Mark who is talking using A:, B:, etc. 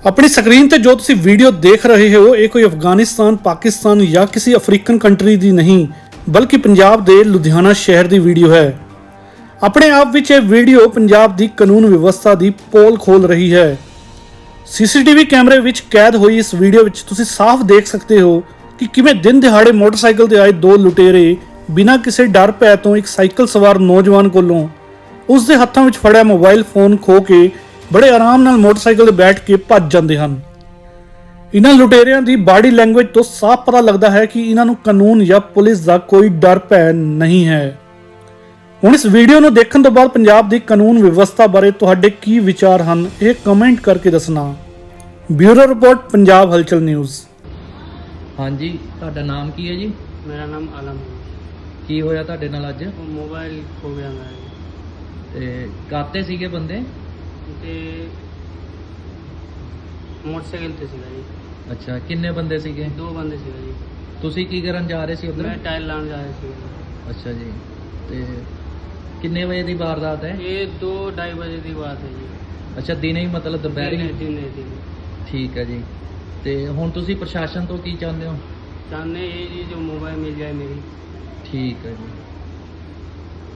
A: अपनी स्क्रीन ते जो तुसी वीडियो देख रहे हो ये कोई अफगानिस्तान पाकिस्तान या किसी अफ्रीकन कंट्री दी नहीं बल्कि पंजाब दे लुधियाना शहर दी वीडियो है। अपने आप विच ये वीडियो पंजाब दी कानून व्यवस्था दी पोल खोल रही है। सीसीटीवी कैमरे विच कैद हुई इस वीडियो विच तुसी साफ देख सकते हो कि किवें दिन दिहाड़े मोटरसाइकिल ते आए दो लुटेरे बिना किसी डर भै तो एक साइकिल सवार नौजवान कोलों उस दे हत्थां विच फड़िया मोबाइल फोन खो के बड़े आराम नाल मोटरसाइकिल ते बैठ के भज जाते हैं। इन्हां लुटेरियां दी बॉडी लैंगुएज तो साफ पता लगता है कि इन्हां नूं कानून या पुलिस का कोई डर भै नहीं है। हुण इस वीडियो नूं देखण तो बाद पंजाब दी कानून व्यवस्था बारे तुहाडे की विचार हन ये कमेंट करके दसना। ब्यूरो रिपोर्ट पंजाब हलचल न्यूज़।
B: हाँ जी, तुहाडा नाम की है जी?
C: मेरा नाम आलम है।
B: की होया तुहाडे नाल अज?
C: वो मोबाइल खो गया मेरा जी।
B: ते काते सीगे बंदे?
C: ते मोटरसाइकिल ते सीगा जी।
B: अच्छा, किन्ने बंदे सीगे?
C: दो बंदे सीगा जी।
B: तुसी की करन जा रहे सी उधर?
C: मैं टायर लाने जा रहा सीगा।
B: अच्छा जी, ते किन्ने बजे दी वारदात है?
C: ये 2-2:30 बजे की बात है जी।
B: अच्छा, दिने ही मतलब दोपहरी?
C: दिन
B: ठीक है जी। ते हुण तुसी प्रशासन तो की चाहते हो?
C: चाहने ये जी जो मोबाइल मिल जाए मेरी।
B: ठीक है जी।